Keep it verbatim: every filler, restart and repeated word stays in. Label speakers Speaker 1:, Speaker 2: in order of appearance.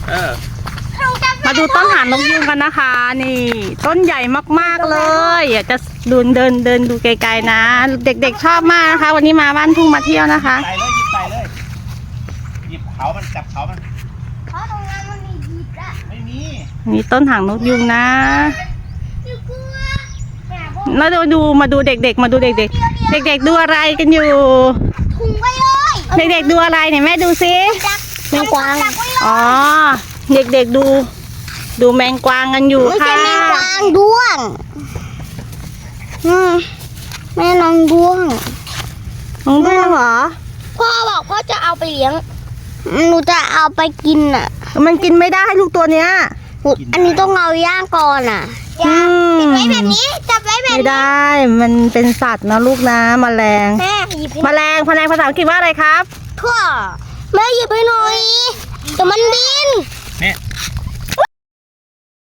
Speaker 1: เออ
Speaker 2: มาดูต้นหางนกยูงกันนะคะ นี่ต้นใหญ่มากๆเลยอยากจะดูเดินเดินดูไกลๆนะ เด็กๆชอบมากนะคะ วันนี้มาบ้านทุ่งมาเที่ยวนะคะ
Speaker 1: ใส่เลยหยิบใส่เลยหยิบเขามันจับเขามัน
Speaker 3: เพราะตรงนั้นมันมีหยิบอะ
Speaker 1: ไม่มี
Speaker 2: นี่ต้นหางนกยูงนะ
Speaker 3: หนูกลัวแต่พวก
Speaker 2: แล้วดูดูมาดูเด็กๆ มาดูเด็กๆ เด็กๆดูอะไรกันอยู่
Speaker 3: ถุงไว้เลย
Speaker 2: เด็กๆดูอะไรเนี่ยแม่ดูซิ
Speaker 3: จับ
Speaker 2: แมงกวาง
Speaker 3: จับไว้เลย
Speaker 2: อ๋อเด็กๆดู ดูแมงกวางกันอยู่
Speaker 3: ไม่
Speaker 2: ค่ะ
Speaker 3: ใช่แมงกวางด้วงอืมแม่น้องด้วง
Speaker 2: น้องด้วงเหรอ
Speaker 3: พ่อบอกพ่อจะเอาไปเลี้ยงหนูจะเอาไปกินอ่ะ
Speaker 2: มันกินไม่ได้ลูกตัวเนี้ย
Speaker 3: อันนี้ต้องเอาย่างก่อนอ่ะ
Speaker 2: อืม
Speaker 3: จับไว้แบบนี้จับไว้แบบ
Speaker 2: ไม่
Speaker 3: นี้
Speaker 2: ได้ มันเป็นสัตว์นะลูกนะแมลง
Speaker 3: แม่หยิบให้
Speaker 2: แมลงแมลงภาษาอังกฤษว่าอะไรครับ
Speaker 3: พ่อแม่หยิบให้หน่อยเดี๋ยวมันบิน
Speaker 1: เนี่ย